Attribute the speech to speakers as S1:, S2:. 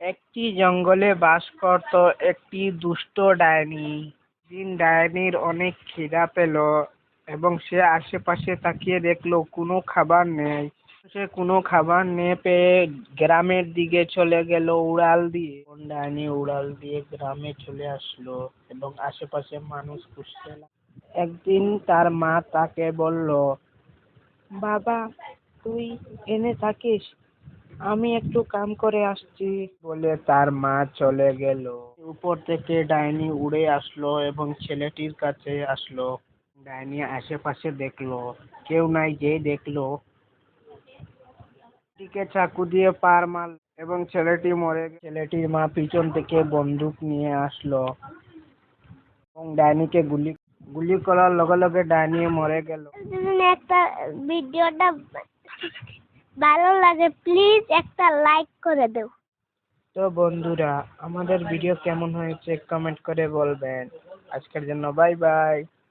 S1: একটি জঙ্গলে বাস করত একটি দুষ্ট ডাইনি। দিন ডাইনির অনেক খিদা পেল এবং সে আশেপাশে তাকিয়ে দেখলো কোনো খাবার নেই। সে কোনো খাবার না পেয়ে গ্রামের দিকে চলে গেল উড়াল দিয়ে। ডাইনি উড়াল দিয়ে গ্রামে চলে আসলো এবং আশেপাশে মানুষ খুঁজতে লাগলো। একদিন তার মা তাকে বলল, বাবা, তুই এনে থাকিস, আমি একটু কাম করে আসছি। বলে তার মা চলে গেল। উপর থেকে ডাইনি উড়ে আসলো এবং ছেলেটির কাছে আসলো। ডাইনি আশেপাশে দেখলো কেউ নাই, যে দেখলো টিকে চাকু দিয়ে পার মারল এবং ছেলেটি মরে গেল। ছেলেটির মা পিছন থেকে বন্দুক নিয়ে আসলো এবং ডাইনিকে গুলি গুলি করার লগে লগে ডাইনি মরে গেল।
S2: যদি একটা ভিডিওটা ভালো লাগে প্লিজ একটা লাইক করে দাও।
S1: তো বন্ধুরা, আমাদের ভিডিও কেমন হয়েছে কমেন্ট করে বলবেন। আজকের জন্য বাই বাই।